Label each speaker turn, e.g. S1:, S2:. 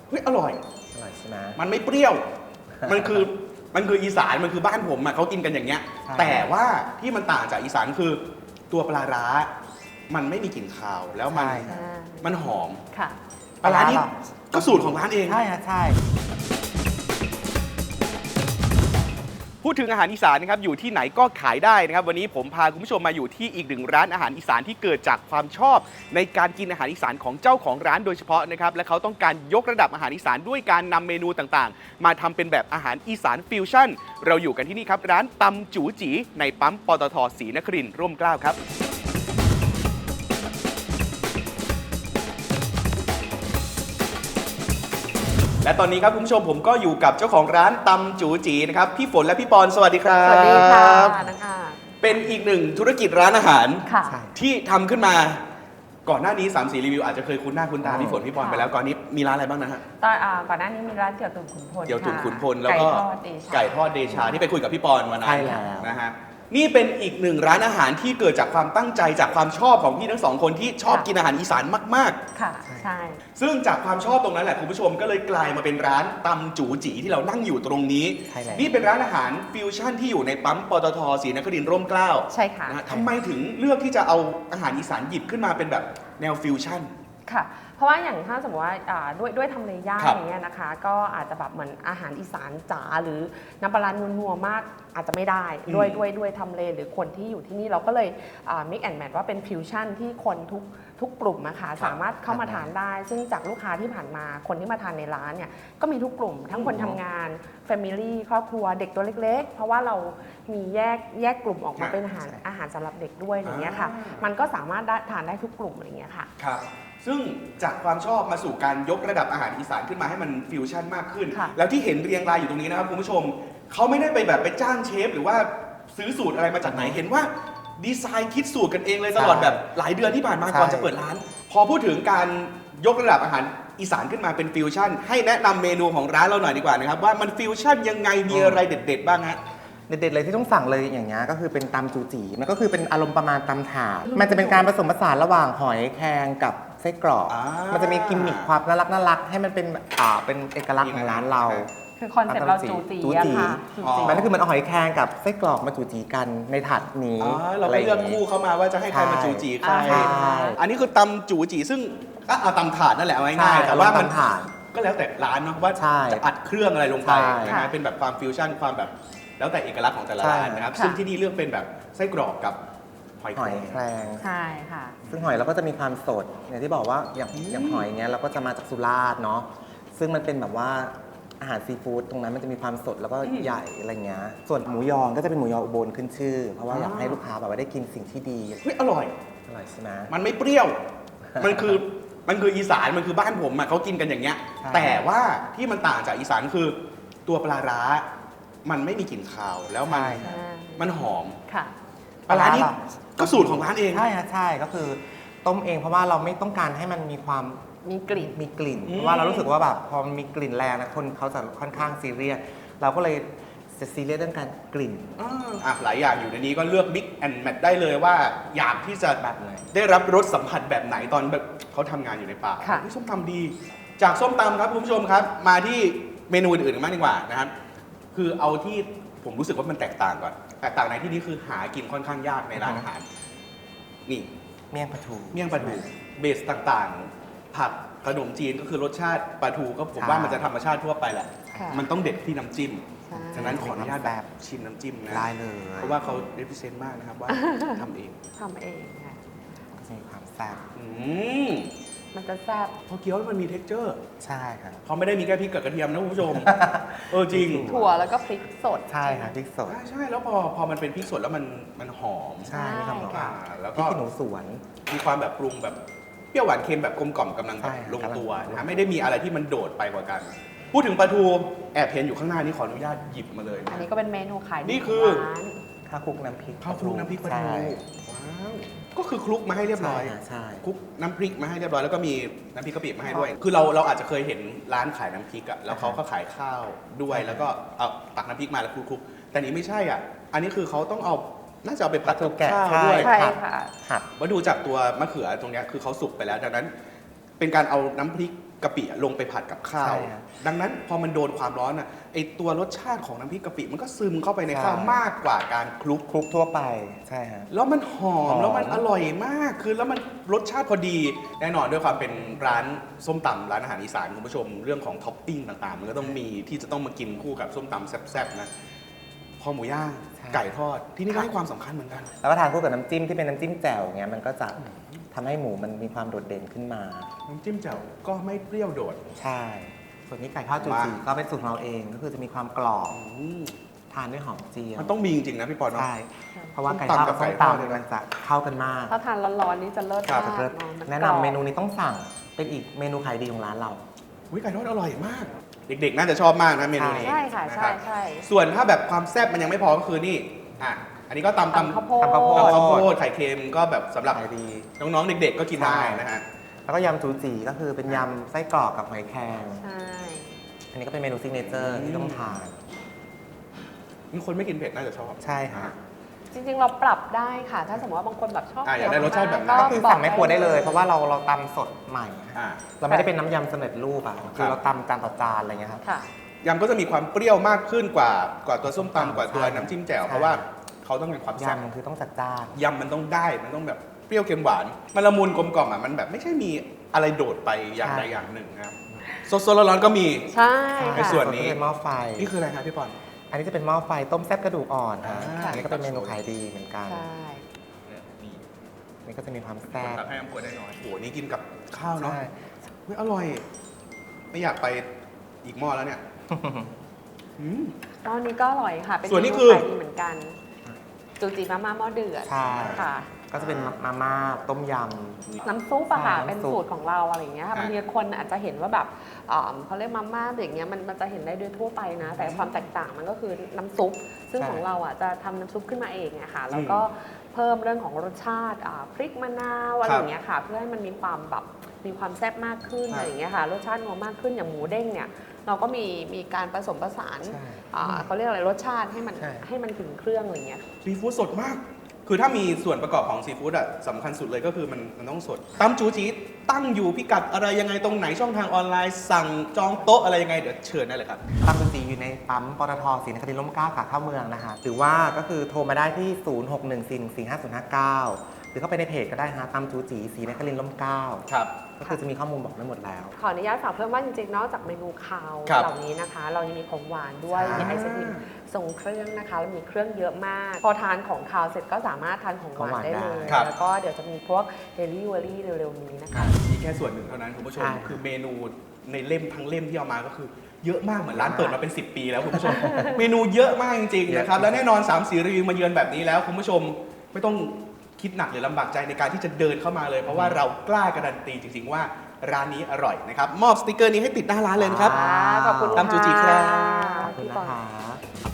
S1: เฮ้ยอร่อย
S2: ใช่ไหม
S1: มันไม่เปรี้ยว มันคืออีสานมันคือบ้านผมเขากินกันอย่างเงี้ยแต่ว่าที่มันต่างจากอีสานคือตัวปลาร้ามันไม่มีกลิ่นคาวแล้วมันหอม
S3: ค่ะ
S1: ปลาร้านี่ก็สูตรของร้านเอง
S2: ใช่ฮะใช่
S1: พูดถึงอาหารอีสานนะครับอยู่ที่ไหนก็ขายได้นะครับวันนี้ผมพาคุณผู้ชมมาอยู่ที่อีกหนึ่งร้านอาหารอีสานที่เกิดจากความชอบในการกินอาหารอีสานของเจ้าของร้านโดยเฉพาะนะครับและเขาต้องการยกระดับอาหารอีสานด้วยการนำเมนูต่างๆมาทำเป็นแบบอาหารอีสานฟิวชั่นเราอยู่กันที่นี่ครับร้านตำจูจีในปั๊มปตท.ศรีนครินทร์ร่มเกล้าครับและตอนนี้ครับคุณผู้ชมผมก็อยู่กับเจ้าของร้านตำจูจีนะครับพี่ฝนและพี่ปอนสวัสดีครับ
S3: สวัสดีค่ะนะคะ
S1: เป็นอีกหนึ่งธุรกิจร้านอาหาร
S3: ค่ะ
S1: ที่ทำขึ้นมาก่อนหน้านี้3-4รีวิวอาจจะเคยคุ้นหน้าคุ้นตาพี่ฝนพี่ปอนไปแล้วก่อนนี้มีร้านอะไรบ้างนะฮะ
S3: ก่อนหน้านี้มีร้านเตี๋ยวตุ๋นขุนพล
S1: เตี๋ยวตุ๋นขุนพลแล้วก็ไก่ทอดเดชาที่ไปคุยกับพี่ปอนวันนั้นนะฮะนี่เป็นอีกหนึ่งร้านอาหารที่เกิดจากความตั้งใจจากความชอบของพี่ทั้งสองคนที่ชอบกินอาหารอีสานมาก
S3: ๆค่ะใช่
S1: ซึ่งจากความชอบตรงนั้นแหละคุณผู้ชมก็เลยกลายมาเป็นร้านตำจูจีที่เรานั่งอยู่ตรงนี้นี่เป็นร้านอาหารฟิวชั่นที่อยู่ในปั๊มปตท.ศรีนครินทร์ร่มเกล้า
S3: ใช่ค่ะ
S1: ทำไมถึงเลือกที่จะเอาอาหารอีสานหยิบขึ้นมาเป็นแบบแนวฟิวชั่น
S3: ค่ะเพราะว่าอย่างถ้าสมมติว่าด้วยทำเลยากอย่างเงี้ยนะคะก็อาจจะแบบเหมือนอาหารอีสานจ๋าหรือน้ำปลานัวมากอาจจะไม่ได้ด้วยทำเลหรือคนที่อยู่ที่นี่เราก็เลยmix and match ว่าเป็นฟิวชั่นที่คนทุกกลุ่มนะคะสามารถเข้ามาทานได้ซึ่งจากลูกค้าที่ผ่านมาคนที่มาทานในร้านเนี่ยก็มีทุกกลุ่มทั้งคนทำงาน Family ครอบครัวเด็กตัวเล็กๆเพราะว่าเรามีแยกกลุ่มออกมาเป็นอาหารสำหรับเด็กด้วยอย่างเงี้ยค่ะมันก็สามารถทานได้ทุกกลุ่มอะไรเงี้ยค่ะ
S1: ซึ่งจากความชอบมาสู่การยกระดับอาหารอีสานขึ้นมาให้มันฟิวชั่นมากขึ้นแล้วที่เห็นเรียงรายอยู่ตรงนี้นะครับคุณผู้ชมเขาไม่ได้ไปจ้างเชฟหรือว่าซื้อสูตรอะไรมาจากไหนเห็นว่าดีไซน์คิดสูตรกันเองเลยตลอดแบบหลายเดือนที่ผ่านมาก่อนจะเปิดร้านพอพูดถึงการยกระดับอาหารอีสานขึ้นมาเป็นฟิวชั่นให้แนะนำเมนูของร้านเราหน่อยดีกว่านะครับว่ามันฟิวชั่นยังไงมีอะไรเด็ดๆบ้างฮะ
S2: เด็ดๆเลยที่ต้องสั่งเลยอย่างเงี้ยก็คือเป็นตำจูจีมันก็คือเป็นอารมณ์ประมาณตำถาดมันจะเป็นการผสมผสานระหว่างหอยแครงกับไส้กรอกมันจะมีกิมมิคความน่ารักให้มันเป็นเอกลักษณ์ของร้านเรา
S3: คือคอนเซ็ปต์เราจูจีค่ะ
S2: มันก็คือมันเอาหอยแครงกับไส้กรอกมาจูจีกันในถาดนี้
S1: เราก็เลือกคู่เข้ามาว่าจะให้ใครมาจูจีใครอันนี้คือตำจูจีซึ่งเอาตำถาดนั่นแหละง่ายๆแต่ว่ามันก็แล้วแต่ร้านเนาะว่าจะอัดเครื่องอะไรลงไปนะเป็นแบบความฟิวชั่นความแบบแล้วแต่เอกลักษณ์ของแต่ละร้านนะครับซึ่งที่นี่เลือกเป็นแบบไส้กรอกกับหอยแครง
S3: ใช่ค่ะ
S2: ซึ่งหอยเราก็จะมีความสดอย่างที่บอกว่าอย่างหอยเนี้ยเราก็จะมาจากสุราษฎร์เนาะซึ่งมันเป็นแบบว่าอาหารซีฟู้ดตรงนั้นมันจะมีความสดแล้วก็ใหญ่อะไรเงี้ยส่วนหมูยอก็จะเป็นหมูยออุบลขึ้นชื่อเพราะว่าอยากให้ลูกค้าแบบว่าได้กินสิ่งที่ดี
S1: เฮ้ยอร่อย
S2: ใช่ไหม
S1: มันไม่เปรี้ยว มันคืออีสานมันคือบ้านผมเขากินกันอย่างเงี้ยแต่ว่าที่มันต่างจากอีสานคือตัวปลาร้ามันไม่มีกลิ่นคาวแล้วมันหอม
S3: ค่ะ
S1: ปลาร้านี่ก็สูตรของร้านเอง
S2: ใช่ก็คือต้มเองเพราะว่าเราไม่ต้องการให้มันมีความ
S3: มีก
S2: ลิ่นเพราะว่าเรารู้สึกว่าแบบพอมีกลิ่นแรงนะคนเขาจะค่อนข้างซีเรียสเราก็เลยจะซีเรียสเรื่องการกลิ่น
S1: หลายอย่างอยู่ในนี้ก็เลือก mix and match ได้เลยว่าอยากที่จะได้รับรสสัมผัสแบบไหนตอนแบบเขาทำงานอยู่ในป่าส้มตำดีจากส้มตำครับคุณผู้ชมครับมาที่เมนูอื่นๆกันบ้างดีกว่านะครับคือเอาที่ผมรู้สึกว่ามันแตกต่างก่อนแตกต่างในที่นี้คือหากินค่อนข้างยากในร้านอาหารนี่
S2: เมี่ยงปลาทู
S1: เบสต่างๆผักขนมจีนก็คือรสชาติปลาทูก็ผมว่ามันจะธรรมชาติทั่วไปแหละมันต้องเด็ดที่น้ำจิ้มฉะนั้นขออนุญาตแบบชิมน้ำจิ้มนะ
S2: ได้เลย
S1: เพราะว่าเขาเรปเซนต์มากนะครับว่าทำเอง
S3: ค่ะ
S2: มีความแซ่บ
S3: มันจะแซ่บ
S1: พอเคี้ยวมันมีเท็กเจอร์
S2: ใช่ครับ
S1: เขาไม่ได้มีแค่พริกกับกระเทียมนะคุณผู้ชมจริง
S3: ถั่วแล้วก็พริกสด
S2: ใช่ค่ะพริกสด
S1: ใช่แล้วพอมันเป็นพริกสดแล้วมันหอม
S2: ใช่มีความหอม
S1: แล้วก็
S2: หนูสวน
S1: มีความแบบปรุงแบบเปรี้ยวหวานเค็มแบบกลมกล่อมกำลังลงตัวนะไม่ได้มีอะไรที่มันโดดไปกว่ากันพูดถึงปลาทูแอบเห็นอยู่ข้างหน้านี้ขออนุญาตหยิบมาเลย
S3: อันนี้ก็เป็นเมนูขาย
S1: นี่คือ
S2: ข้าวคลุกน้ำพริก
S1: ปลาทูว้าวก็คือคลุกมาให้เรียบร้อย
S2: ใช่
S1: คลุกน้ำพริกมาให้เรียบร้อยแล้วก็มีน้ำพริกกะปิมาให้ด้วยคือเราอาจจะเคยเห็นร้านขายน้ำพริกอะแล้วเขาก็ขายข้าวด้วยแล้วก็เอาตักน้ำพริกมาแล้วคลุกแต่นี้ไม่ใช่อ่ะอันนี้คือเขาต้องเอาน่าจะเอาไปผัดกับข้าวด้วย
S3: ใช่ค่ะ
S1: มาดูจากตัวมะเขือตรงนี้คือเขาสุกไปแล้วดังนั้นเป็นการเอาน้ำพริกกะปิลงไปผัดกับข้าว
S2: ใช่ครับ
S1: ดังนั้นพอมันโดนความร้อนอ่ะไอตัวรสชาติของน้ำพริกกะปิมันก็ซึมเข้าไปในข้าว
S2: ใช่
S1: มากกว่าการคลุก
S2: คลุกทั่วไปใช่ฮะ
S1: แล้วมันหอ
S2: ห
S1: ม
S2: อม
S1: แล้วมันอร่อยมากคือแล้วมันรสชาติพอดีแน่นอนด้วยความเป็นร้านส้มตำร้านอาหารอีสานคุณผู้ชมเรื่องของท็อปปิ้งต่างๆ มันก็ต้องมีที่จะต้องมากินคู่กับส้มตำแซ่บๆนะคอหมูย่างไก่ทอดที่นี่ก็ให้ความสำคัญเหมือนกัน
S2: แล้วก็ทานคู่กับน้ำจิ้มที่เป็นน้ำจิ้มแจ่วเงี้ยมันก็จะทำให้หมูมันมีความโดดเด่นขึ้นมา
S1: น้ำจิ้มแจ่วก็ไม่เปรี้ยวโดด
S2: ใช่ ส่วนนี้ไก่ทอดจูจีก็เป็นสูตรของเราเองก็คือจะมีความกรอบ
S1: อืม
S2: ทานด้วยหอมเจียว
S1: มันต้องมีจริงๆนะพี่ปอนเนาะ
S2: ใช่เพราะว่าไก่ทอดกับ
S1: ส้
S2: ส้
S1: ม
S2: ม
S1: ตำกับไก่ทอด
S2: ตำมันจะเข้ากันมาก
S3: ถ้าทานร้อนๆนี่จะเลิศ
S1: ครับ
S3: มาก
S2: เลิศ
S3: เอะ
S2: แนะนำเมนูนี้ต้องสั่งเป็นอีกเมนูขายดีของร้านเรา
S1: อุ๊ยไก่ทอดอร่อยมาก เด็กๆ น่าจะชอบมากนะเมนูนี้
S3: ใช่ค่ะ
S1: น
S3: ใช่
S1: รับ
S3: ใช่
S1: ส่วนถ้าแบบความแซ่บมันยังไม่พอก็คือนี่อ่ะอันนี้ก็ตำ
S3: ตำข้าวโพด
S2: ตำข้าวโพ
S1: ข้าวโพดไข่เค็มก็แบบสำหรับ
S2: ขายดี
S1: น้องๆ เด็กๆ ก็กินได้
S2: ใช่
S1: นะฮะ
S2: แล้วก็ยำจูจีก็คือเป็นยำไส้กรอกกับหอยแครง
S3: ใช่
S2: อันนี้ก็เป็นเมนูซิกเนเจอร์ที่ต้องทาน
S1: มีคนไม่กินเผ็ดน่าจะชอบ
S2: ใช่ค่ะ
S3: จริงๆเราปรับได้ค่ะ ถ้าสมมติว่าบางคนแบบชอบ
S1: อยากได้รสชาติแบบไหน
S3: ก็
S2: ก็คือสั่งไม่ครัวได้เลย เพราะว่าเราตำสดใหม่
S1: อ่ะ
S2: เราไม่ได้เป็นน้ำยำสำเร็จรูปอ่ะ
S1: ครั
S2: คือบ เราตำจานต่อจานอะไรเงี้ยครับ
S3: ค่ะ
S1: ยำก็จะมีความเปรี้ยวมากขึ้นกว่าตัวส้มตำกว่าตัว
S2: ใช่
S1: น้ำจิ้มแจ่ว
S2: ใช่
S1: เพราะว่าเขาต้องมีความแซ่บ
S2: ยำคือต้องจัดจ้าน
S1: ยำมันต้องได้มันต้องแบบเปรี้ยวเค็มหวาน มันละมุนกลมกล่อมอ่ะมันแบบไม่ใช่มีอะไรโดดไปอย่างใดอย่างหนึ่งนะครับสดๆร้อนๆก็มี
S3: ใช่
S1: ใน
S3: ค่ะ
S1: ส่วนนี้
S2: เป็นหม้อไฟ
S1: นี่คืออะไรครับพี่ปอน
S2: อันนี้จะเป็นหม้อไฟต้มแซ่บกระดูกอ่อนฮะ
S1: อ่า
S2: อันนี้ก็เป็นเมนูขายดีเหมือนกัน
S3: ใช่
S1: นี่
S2: นี่ก็จะมีความ
S1: คน
S2: แซ่บ
S1: ตักให้น้ำขวดได้น้อยโอ้โหนี่กินกับข้าวเนาะ
S2: ใช่
S1: เฮ้ยอร่อย ไม่อยากไปอีกหม้อแล้วเนี่ยอืม
S3: ตอนนี้ก็อร่อยค่ะ เป็น
S1: ส่วนนี้
S3: เม
S1: คือ
S3: ขายดีเหมือนกัน จูจีมาม่าหม้อเดือด
S2: ใช่
S3: ค่ะ
S2: ก็จะเป็นมาม่าต้มย
S3: น้ำซุปอะค่ะ
S2: ใช่
S3: เป็น
S2: น้ำซุป
S3: สูตรของเราอะไรอย่างเงี้ยค่ะ
S1: อ่ะ
S3: บางทีคนอาจจะเห็นว่าแบบเขาเรียกมาม่าอย่างเงี้ยมันจะเห็นได้ด้วยทั่วไปนะ แต่ความแตกต่างมันก็คือน้ำซุป ซึ่งของเราอะจะทำน้ำซุปขึ้นมาเองอะค่ะ แล้วก็เพิ่มเรื่องของรสชาติพริกมะนาวอะไรอย่างเงี้ยค่ะ เพื่อให้มันมีความแบบมีความแซ่บมากขึ้น
S1: ครับ
S3: อะไรอย่างเงี้ยค่ะ รสชาตินัวมากขึ้นอย่างหมูเด้งเนี่ย เราก็มีการผสมผสาน
S2: ใช่
S3: เขาเรียกอะไรรสชาติให้มัน
S2: ใช่
S3: ให้มันถึงเครื่องอะไรอย่างเงี้ย
S1: ซีฟู้ดสดมาก คือถ้ามีส่วนประกอบของซีฟู้ดอะสำคัญสุดเลยก็คือมันต้องสดตำจูจีตั้งอยู่พิกัดอะไรยังไงตรงไหนช่องทางออนไลน์สั่งจองโต๊ะอะไรยังไงเดี๋ยวเชิญได้เลยครับ
S2: ำตำจูจีอยู่ในปั๊มปตทศรีนครินทร์ร่มเกล้าขาเข้าเมืองนะคะหรือว่าก็คือโทรมาได้ที่ 0614145059 หรือเข้าไปในเพจก็ได้ฮะตำจูจีศรีนครินทร์ร่มเกล้า
S1: ครับ
S2: ก็คือจะมีข้อมูลบอกไว้หมดแล้ว
S3: ขออนุญาตฝากเพิ่มว่าจริงๆ นอกจากเมนูคาว
S1: ครับ
S3: เหล่านี้นะคะ เรายังมีของหวานด้วย
S2: ใช่
S3: มีไอศครีมทรงเครื่องนะคะแล้วมีเครื่องเยอะมาก พอทานของคาวเสร็จก็สามารถทานของหวานได้เลย
S1: ครับ
S3: แล้วก็เดี๋ยวจะมีพวกเดลิเวอรี่เร็วๆนี้นะคะ
S1: นี่แค่ส่วนหนึ่งเท่านั้นคุณผู้ชม
S2: ใช่
S1: คือเมนูในเล่มทั้งเล่มที่เอามาก็คือ เยอะมากเหมือนร้านเปิดมาเป็น 10 ปีแล้วคุณผู้ชม เมนูเยอะมากจริงๆนะครับ และแน่นอน3 สีรีวิวมาเยือนแบบนี้แล้วคุณผู้ชมไม่ต้องคิดหนักหรือลำบากใจในการที่จะเดินเข้ามาเลย เพราะว่าเรากล้าการันตีจริง ๆ ว่าร้านนี้อร่อยนะครับมอบสติกเกอร์นี้ให้ติดหน้าร้านเลยนะครับ
S3: ขอบคุณ
S1: ตำจูจีครับ
S2: ขอบคุณ
S3: พี่
S2: นะ
S3: ปอน
S2: คะ